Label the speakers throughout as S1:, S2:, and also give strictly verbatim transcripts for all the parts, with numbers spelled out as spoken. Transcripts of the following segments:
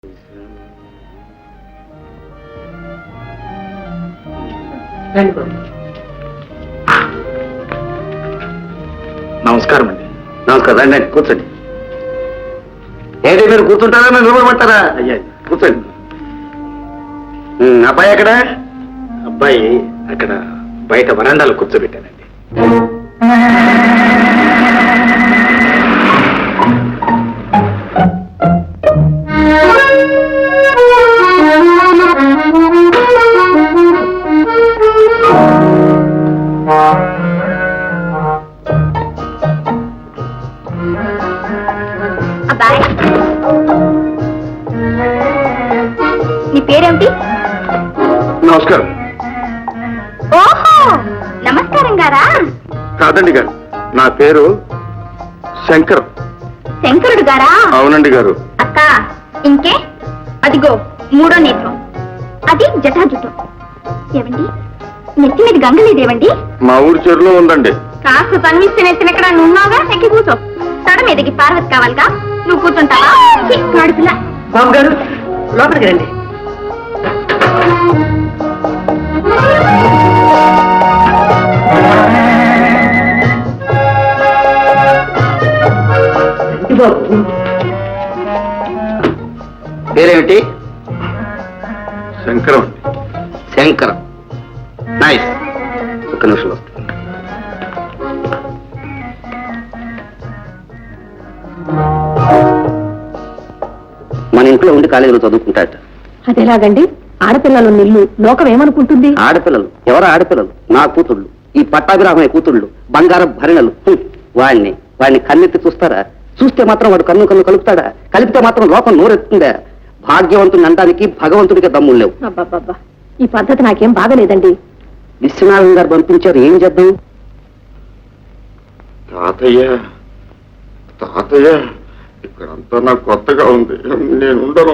S1: నమస్కారం అండి. నమస్కారం రండి రండి కూర్చోండి. ఏంటి మీరు కూర్చుంటారా మీరు నిలబడమంటారా? అయ్యా కూర్చోండి. అబ్బాయి ఎక్కడ? అబ్బాయి అక్కడ బయట వరండాలో కూర్చోబెట్టానండి.
S2: నీ పేరేమిటి?
S1: నమస్కారం.
S2: ఓహో నమస్కారం గారా?
S1: కాదండి గారు, నా పేరు శంకర్.
S2: శంకరుడు గారా?
S1: అవునండి గారు.
S2: అక్క ఇంకే అదిగో మూడో నేత్రం, అది జటాజుటం. ఏమండి నెత్తి మీద గంగ లేదేవండి?
S1: మా ఊరి చెరువులో ఉందండి.
S2: కాస్త తన్విస్తే నెత్తినెక్కడ నువ్వు ఉన్నావుగా, ఎక్కి కూర్చో. తడ మీదకి పార్వతి కావాలిగా, నువ్వు కూర్చుంటావా? పిల్ల
S3: బాబు గారు లోపలికి రండి.
S1: పేరేమిటి? శంకరం. శంకరం నైస్. ఒక్క నిమిషం వస్తుంది. మన ఇంట్లో ఉండి కాలేజీలో చదువుకుంటాట.
S3: అదేలాగండి? ఆడపిల్లలు నిల్లు లోకం ఏమనుకుంటుంది?
S1: ఆడపిల్లలు ఎవరు? ఆడపిల్లలు నా కూతుళ్ళు, ఈ పట్టాభిరామయ్య కూతుళ్ళు, బంగారం భరిణలు. వాడిని వాడిని కన్నెత్తి చూస్తారా? చూస్తే మాత్రం వాడు కన్ను కన్ను కలుపుతాడా? కలిపితే మాత్రం లోకం నోరెత్తుందా? భాగ్యవంతుని అనడానికి భగవంతుడికి దమ్ములు లేవు.
S3: అబ్బాబ్బా, ఈ పద్ధతి నాకేం బాగలేదండి.
S1: విశ్వనాథం గారు పంపించారు, ఏం చేద్దాం? తాతయ్య తాతయ్య ఇక్కడంతా నాకు కొత్తగా ఉంది, నేను ఉండను.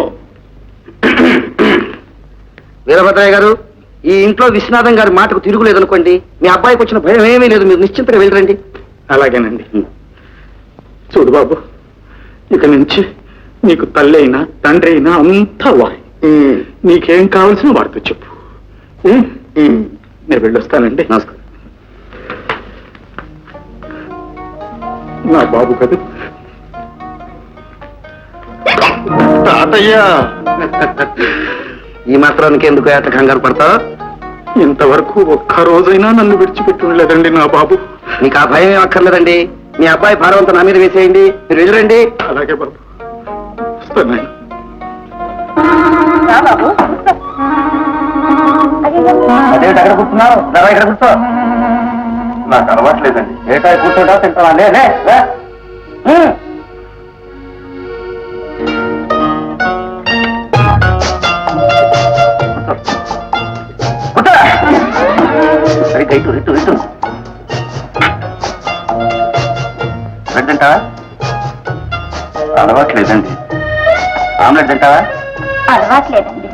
S1: వీరభద్రయ్య గారు, ఈ ఇంట్లో విశ్వనాథం గారి మాటకు తిరుగులేదనుకోండి, మీ అబ్బాయికి వచ్చిన భయం ఏమీ లేదు, మీరు నిశ్చింతగా వెళ్ళరండి. అలాగేనండి. చూడు బాబు, ఇక నుంచి నీకు తల్లి అయినా తండ్రి అయినా అంతా వాయి. నీకేం కావాల్సిన వాడితో చెప్పు. నేను వెళ్ళొస్తానండి. నమస్కారం. నా బాబు కదా తాతయ్య. ఈ మాత్రానికి ఎందుకు ఏట కంగారు పడతా? ఇంతవరకు ఒక్క రోజైనా నన్ను విడిచిపెట్టి ఉండలేదండి నా బాబు. నీకు ఆ భయం ఏం అక్కర్లేదండి. మీ అబ్బాయి భారవంతం నా మీద వేసేయండి, మీరు వెళ్ళరండి. అలాగే బాబు, వస్తాను. అదేంటి అక్కడ కూర్చున్నావు? ఇక్కడ కూర్చో. నాకు అలవాట్లేదండి. ఏటా కూర్చోటా తింటావా? నేనే ఇటు ఇటు ఇటు బ్రెడ్ తింటావా? అలవాట్లేదండి. ఆమ్లెట్ తింటావా?
S2: అలవాట్లేదండి.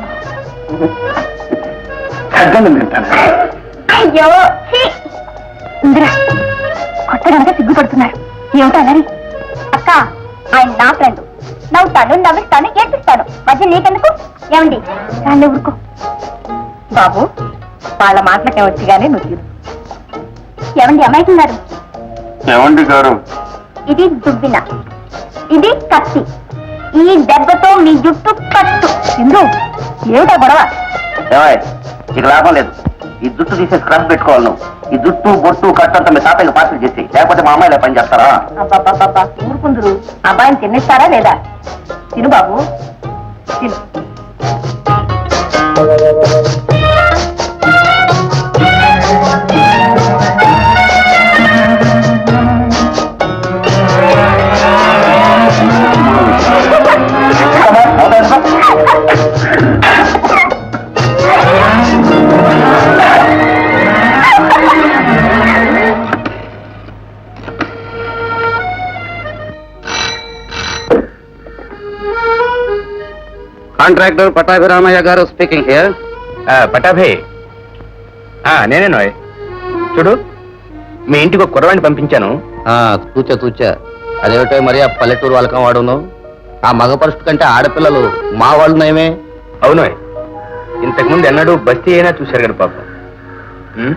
S1: తగ్గని తింటాను.
S2: అయ్యో ఇందిరా, కొత్తగా సిగ్గుపడుతున్నారు. ఏమిటో అన్నది? అక్క ఆయన నా ఫ్రెండ్, నవ్వుతాను నవ్విస్తాను ఏడ్పిస్తాను, మధ్య నీకెందుకు? ఏమండి దాన్ని ఊరుకో. బాబు వాళ్ళ మాటలకే వచ్చి గానీ నువ్వు. ఏమండి అమ్మాయికున్నారు?
S1: ఏమండి గారు?
S2: ఇది దుబ్బిన, ఇది కత్తి. ఈ దెబ్బతో మీ జుట్టు కట్టు. ఎందు ఏమిటా గొడవ?
S1: ఇక లాభం లేదు. ఈ జుట్టు తీసే స్క్రబ్ పెట్టుకోవాలి నువ్వు. ఈ జుట్టు బొట్టు కట్టు అంతా మీ తాతయ్య పార్సల్ చేసి, లేకపోతే మా అమ్మాయిలే పని చేస్తారా?
S2: అబ్బాబ్బాబ్బా ఊరుకుందరు. అబ్బాయిని తిన్నిస్తారా లేదా? తిను బాబు తిను.
S1: కాంట్రాక్టర్ పట్టాభిరామయ్య గారు స్పీకింగ్ హియర్.
S4: పటాభే, నేనే నోయ్. చూడు, మీ ఇంటికి ఒక కుర్రవాడిని పంపించాను.
S1: తూచా తూచా అదేమిటో మరి ఆ పల్లెటూరు వాళ్ళకం వాడును. ఆ మగ పరుషుడు కంటే ఆడపిల్లలు మా వాళ్ళు నయమే.
S4: అవును, ఇంతకుముందు ఎన్నడూ బస్తీ అయినా చూశారు కదా పాపం. ఉమ్?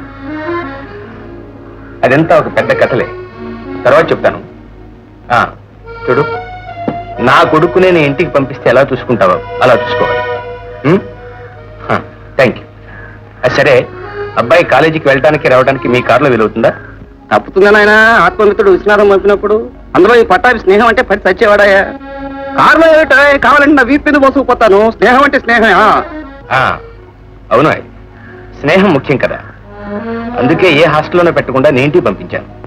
S4: అదంతా ఒక పెద్ద కథలే, తర్వాత చెప్తాను. ఆ, చూడు, నా కొడుకునే నీ ఇంటికి పంపిస్తే ఎలా చూసుకుంటావో అలా చూసుకోవాలి. Thank you. సరే, అబ్బాయి కాలేజీకి వెళ్ళడానికి రావడానికి మీ కారులో వీలవుతుందా?
S1: తప్పుతుందా నాయన? ఆత్మమిత్రుడు విశ్వనాథం పంపినప్పుడు అందులో ఈ పట్టాభి స్నేహం అంటే పది చచ్చేవాడాయా? కారులో ఏమిటో కావాలంటే నా వీపు మీద మోసుకుపోతాను. స్నేహం అంటే స్నేహం.
S4: ఆ, అవును, స్నేహం ముఖ్యం కదా, అందుకే ఏ హాస్టల్లోనే పెట్టకుండా నేను ఇంటికి పంపించాను.